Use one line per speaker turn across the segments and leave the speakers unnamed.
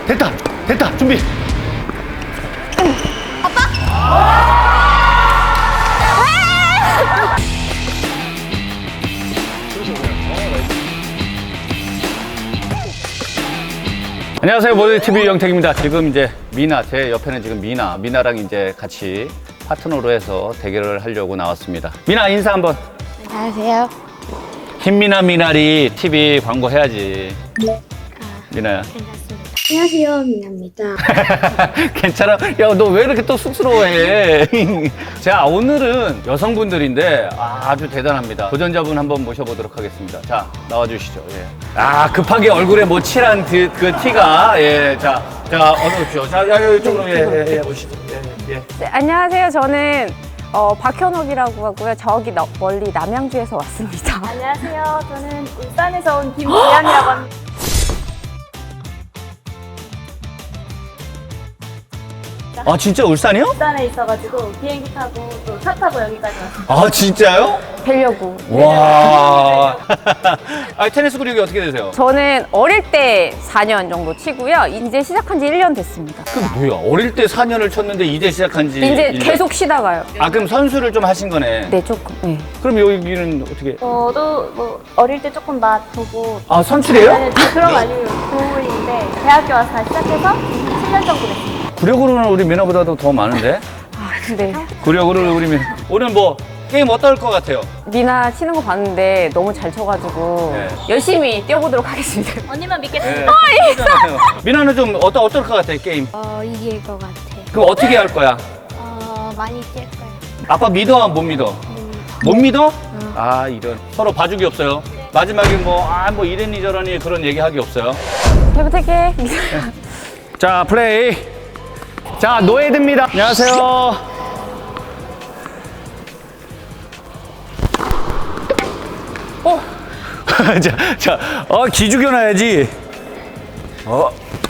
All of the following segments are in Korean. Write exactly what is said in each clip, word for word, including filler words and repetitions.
됐다 됐다 준비. 안녕하세요, 모델티비 영택입니다. 지금 이제 미나, 제 옆에는 지금 미나, 미나랑 이제 같이 파트너로 해서 대결을 하려고 나왔습니다. 미나 인사 한번.
안녕하세요.
흰미나 미나리 티비 광고 해야지. 미나야.
괜찮습니다. 안녕하세요, 미나입니다.
괜찮아? 야, 너 왜 이렇게 또 쑥스러워해? 자, 오늘은 여성분들인데 아, 아주 대단합니다. 도전자분 한번 모셔보도록 하겠습니다. 자, 나와주시죠. 예. 아, 급하게 얼굴에 뭐 칠한 그, 그 티가, 예, 자, 자, 어서 오십시오. 자, 야, 이쪽으로, 예, 예, 예, 오시죠. 예, 예.
네, 안녕하세요. 저는 어, 박현옥이라고 하고요. 저기 너, 멀리 남양주에서 왔습니다.
안녕하세요. 저는 울산에서 온 김지연이라고 합니다.
아, 진짜 울산이요?
울산에 있어가지고 비행기 타고 또 차 타고 여기까지 왔습니다.
아, 진짜요?
뵈려고.
와. 아, 테니스 근육이 어떻게 되세요?
저는 어릴 때 사 년 정도 치고요. 이제 시작한 지 일 년 됐습니다.
그 뭐야? 어릴 때 사 년을 쳤는데 이제 시작한 지.
이제
일 년.
계속 쉬다가요.
아, 그럼 선수를 좀 하신 거네.
네, 조금. 네.
그럼 여기는 어떻게?
저도 뭐 어릴 때 조금 맛보고
아, 선출이에요?
네, 그런 거 아니고 동물인데 대학교 와서 다시 시작해서 칠 년 정도 됐습니다.
구력으로는 우리 미나보다도 더 많은데?
아, 네.
구력으로는 우리 미나. 오늘 뭐 게임 어떨 것 같아요?
미나 치는 거 봤는데 너무 잘 쳐가지고
네.
열심히 뛰어보도록 하겠습니다.
언니만
네.
믿겠습니다.
미나는 좀 어떠, 어떨 것 같아요, 게임?
어, 이길 것 같아요.
그럼 어떻게 할 거야?
어, 많이 뛸 거예요.
아빠 믿어, 못 믿어? 못 믿어? 아, 이런. 서로 봐주기 없어요. 마지막에 뭐, 아, 뭐 이랬니 저러니 그런 얘기 하기 없어요.
잘 부탁해.
자, 플레이. 자, 노예드입니다. 안녕하세요. 어? 자, 자, 어, 기죽여 놔야지. 어.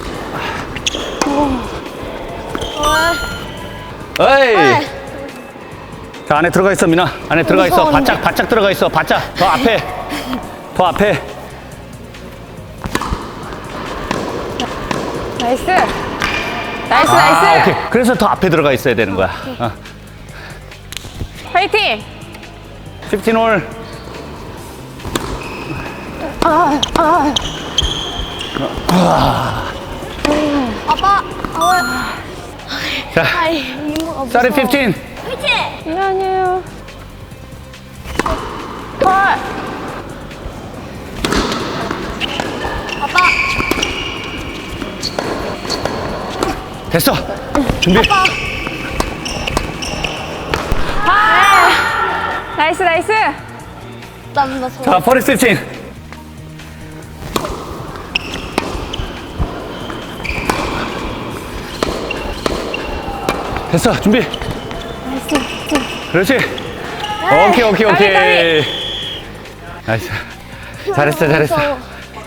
어이. 자, 안에 들어가 있어, 미나. 안에 들어가 있어. 바짝, 바짝 들어가 있어. 바짝. 더 앞에. 더 앞에.
나이스. 나이스,
아,
나이스.
오케이. 그래서 더 앞에 들어가 있어야 되는 거야. 어.
파이팅.
십오 홀.
아빠, 어,
자,
아이, 이모가 무서워.
쌀이 십오.
미안해요.
아빠,
됐어. 준비.
나이스, 나이스.
난 무서워.
자, 버리 십칠. 됐어. 준비. 그렇지. 오케이, 오케이,
까비,
오케이. 나이스. 잘했어, 잘했어.
무서워.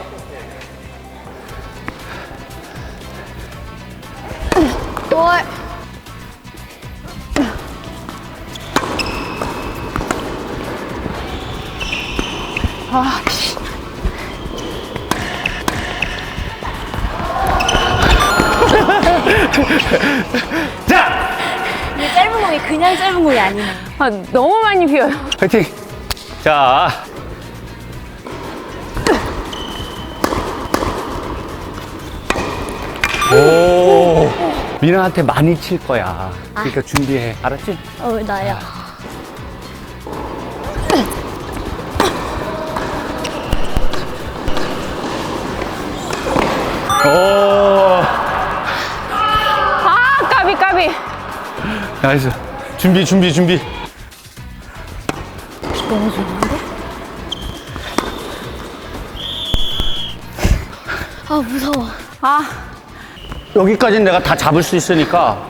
뭘?
자!
이 짧은 공이 그냥 짧은 공이 아니네.
아, 너무 많이 비어요.
파이팅. 자. 오. 미나한테 많이 칠 거야. 그러니까 준비해. 알았지?
어, 왜 나야?
오.
아, 까비, 까비.
나이스. 준비, 준비, 준비.
너무 좋은데?
아, 무서워.
아,
여기까지는 내가 다 잡을 수 있으니까.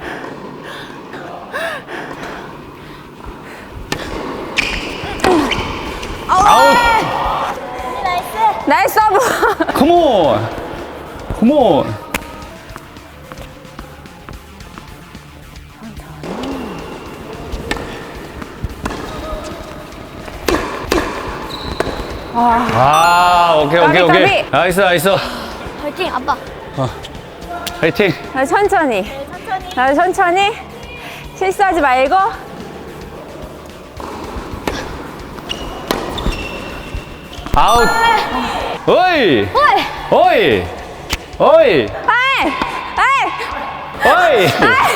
아웃!
나이스 서브.
컴온! 컴온! 아, 오케이, 오케이,
까비,
오케이.
까비.
나이스, 나이스.
화이팅, 아빠.
화이팅!
나 천천히.
네, 천천히.
나 천천히. 실수하지 말고.
아웃! 어이! 어이! 어이!
아이! 아이!
어이!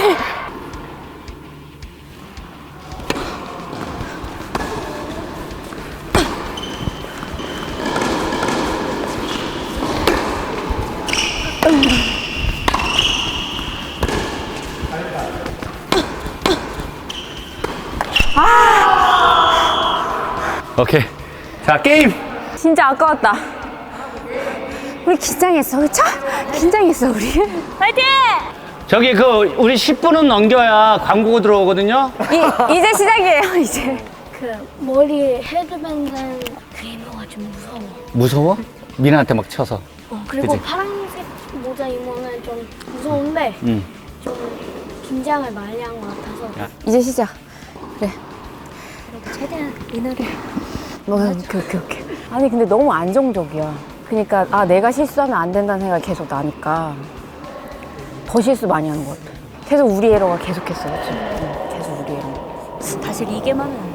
오케이. 자, 게임!
진짜 아까웠다. 우리 긴장했어, 그쵸? 긴장했어, 우리.
파이팅!
저기 그 우리 십 분은 넘겨야 광고 들어오거든요.
이, 이제 시작이에요, 이제.
그 머리 헤드밴드 그 이모가 좀 무서워.
무서워? 미나한테 막 쳐서.
어, 그리고
그치?
파란색 모자 이모는 좀 무서운데
응.
좀 긴장을 많이 한 것 같아서
야.
이제 시작. 그래.
그래도 최대한 미나를
뭐, 오케이, 오케이, 오케이. 아니, 근데 너무 안정적이야. 그러니까, 아, 내가 실수하면 안 된다는 생각이 계속 나니까 더 실수 많이 하는 것 같아. 계속 우리 에러가 계속했어, 그치? 응, 계속 우리 에러.
다시 리게임 하면 안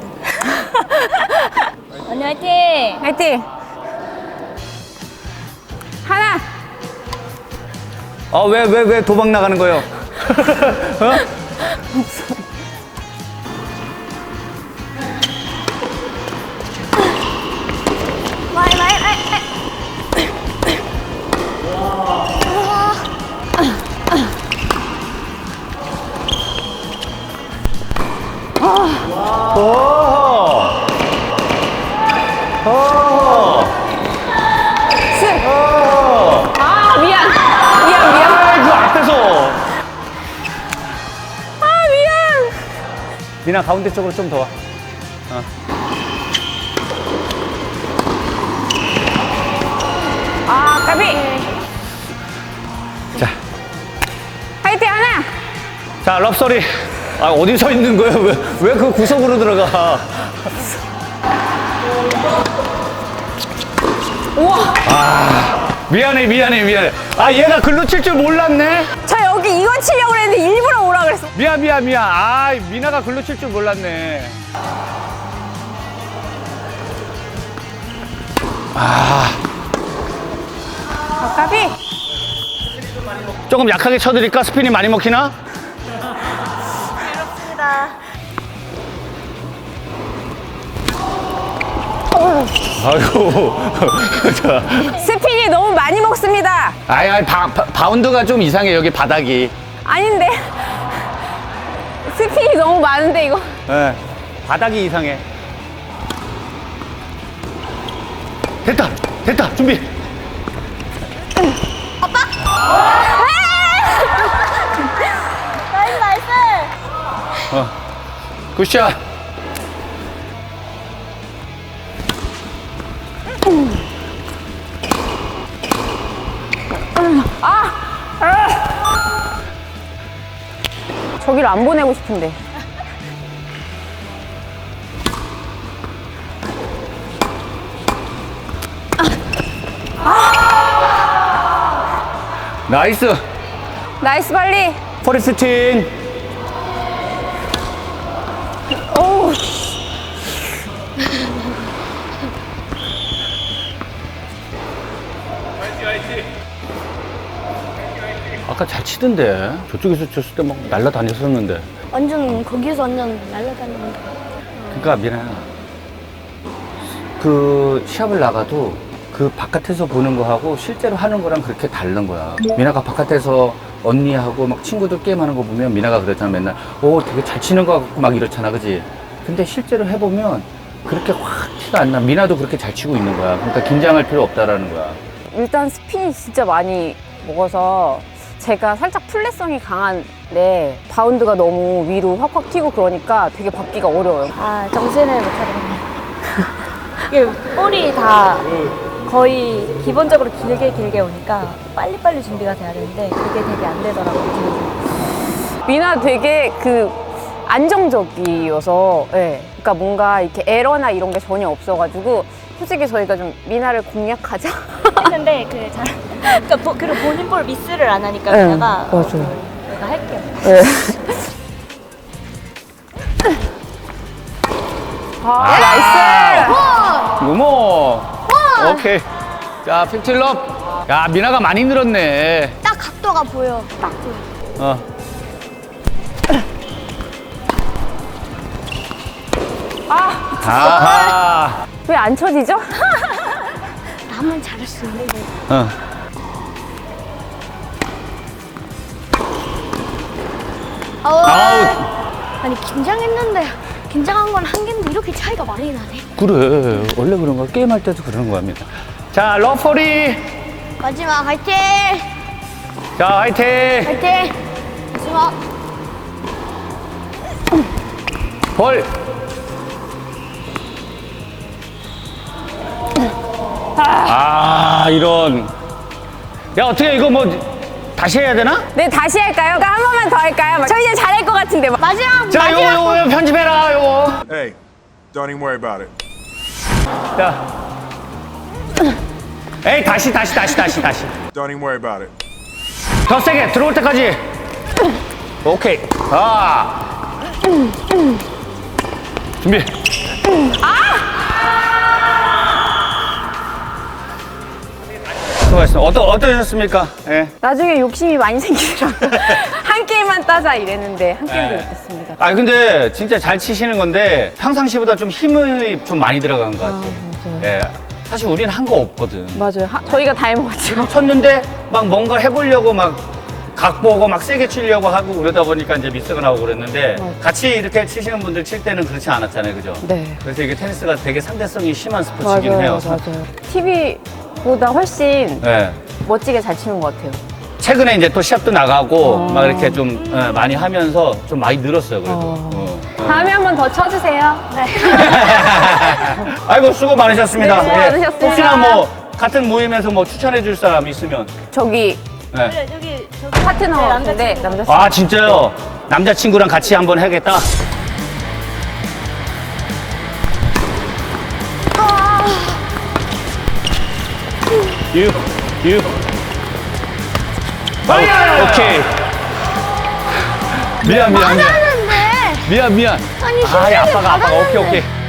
돼. 언니 화이팅!
화이팅! 하나!
어, 왜, 왜, 왜 도망 나가는 거예요? 어?
마이 마이 마이
오! 오!
스!
오!
아, 미안! 미안, 미안!
아, 그 앞에서!
아, 미안!
미나 가운데 쪽으로 좀 더 와. 어.
아, 까비!
자,
화이팅, 하나!
자, 럽소리. 아, 어디 서 있는 거예요? 왜, 왜 그 구석으로 들어가?
우와!
미안해, 미안해, 미안해. 아, 얘가 글로 칠 줄 몰랐네?
저 여기 이거 치려고 그랬는데 일부러 오라 그랬어.
미안, 미안, 미안. 아, 미나가 글로 칠 줄 몰랐네.
아, 까비!
조금 약하게 쳐드릴까? 스핀이 많이 먹히나?
그렇습니다.
아이고. 자.
스핀이 너무 많이 먹습니다.
아이, 아이, 바, 바, 바운드가 좀 이상해, 여기 바닥이.
아닌데. 스핀이 너무 많은데, 이거.
예, 바닥이 이상해. 됐다! 됐다! 준비!
나이스 나이스!
어. 굿샷!
저기를 안 보내고 싶은데.
나이스!
나이스 발리.
포리스틴!
오우.
아까 잘 치던데. 저쪽에서 쳤을 때 막 날라다녔었는데.
완전 거기서 완전 날아다니는 거.
그러니까 미나야, 그 시합을 나가도 그 바깥에서 보는 거하고 실제로 하는 거랑 그렇게 다른 거야. 미나가 바깥에서 언니하고 막 친구들 게임하는 거 보면 미나가 그랬잖아. 맨날 오 되게 잘 치는 거 같고 막 이렇잖아, 그지? 근데 실제로 해보면 그렇게 확 티가 안 나. 미나도 그렇게 잘 치고 있는 거야. 그러니까 긴장할 필요 없다라는 거야.
일단 스핀이 진짜 많이 먹어서 제가 살짝 플랫성이 강한데 바운드가 너무 위로 확확 튀고 그러니까 되게 받기가 어려워요.
아 정신을 못 차리겠네요. 이게 볼이 다 거의 기본적으로 길게 길게 오니까 빨리빨리 준비가 돼야 되는데 그게 되게 안 되더라고요.
미나 되게 그 안정적이어서, 예. 그러니까 뭔가 이렇게 에러나 이런 게 전혀 없어가지고 솔직히 저희가 좀 미나를 공략하자.
했는데 그 잘, 그러니까 보, 그리고 본인 볼 미스를 안 하니까
네,
내가
맞아요.
어, 내가 할게요.
네. 아, 나이스!
무모. 오케이. 자, 픽틸럽. 야, 미나가 많이 늘었네.
딱 각도가 보여. 딱 보여.
어.
아,
아하.
왜 안 쳐지죠?
나만 잘할 수 있는데.
어.
아우.
아웃.
아니 긴장했는데 긴장한 건 한 개인데 이렇게 차이가 많이 나네.
그래. 원래 그런 거 게임할 때도 그러는 겁니다. 자, 러퍼리.
마지막 화이팅!
자, 화이팅.
화이팅! 마지막.
볼. 아, 이런. 야, 어떻게 이거 뭐 다시 해야 되나?
네, 다시 할까요? 그러니까 한 번만 더 할까요? 저 이제 잘할 것 같은데.
마지막.
자, 요거, 요거, 요거 편집해라, 요거.
Hey, don't even worry about it.
자. 에이, 다시, 다시, 다시, 다시, 다시.
Don't even worry about it.
더 세게, 들어올 때까지. 오케이. 아. 준비. 수고하셨습니다. 어떠, 어떠셨습니까? 예.
나중에 욕심이 많이 생기더라고요. 한 게임만 따자 이랬는데 한 게임도
네.
못했습니다.
아 근데 진짜 잘 치시는 건데 평상시보다 좀 힘이 좀 많이 들어간 것 같아요.
맞아요.
예. 사실 우리는 한 거 없거든.
맞아요. 하- 저희가 다 해먹었죠.
쳤는데 막 뭔가 해보려고 막 각 보고 막 세게 치려고 하고 그러다 보니까 이제 미스가 나오고 그랬는데
맞아요.
같이 이렇게 치시는 분들 칠 때는 그렇지 않았잖아요. 그죠?
네.
그래서 이게 테니스가 되게 상대성이 심한 스포츠이긴 해요.
맞아요. 티비보다 훨씬
예.
멋지게 잘 치는 것 같아요.
최근에 이제 또 시합도 나가고
어.
막 이렇게 좀 예, 많이 하면서 좀 많이 늘었어요. 그래도.
어.
어.
다음에 한 번 더 쳐주세요. 네.
아이고 수고 많으셨습니다.
네, 수고 많으셨습니다.
혹시나 뭐 같은 모임에서 뭐 추천해 줄 사람 있으면.
저기
네.
그래, 여기 저기
파트너
네,
같은데
남자친구.
남자친구.
아 진짜요? 남자친구랑 같이 한번 해야겠다. 유, 유. 어, 오케이. 미안 미안 미안.
하는데
미안 미안.
아니
아,
신경이
아빠가 아빠가 오케이
받았는데.
오케이.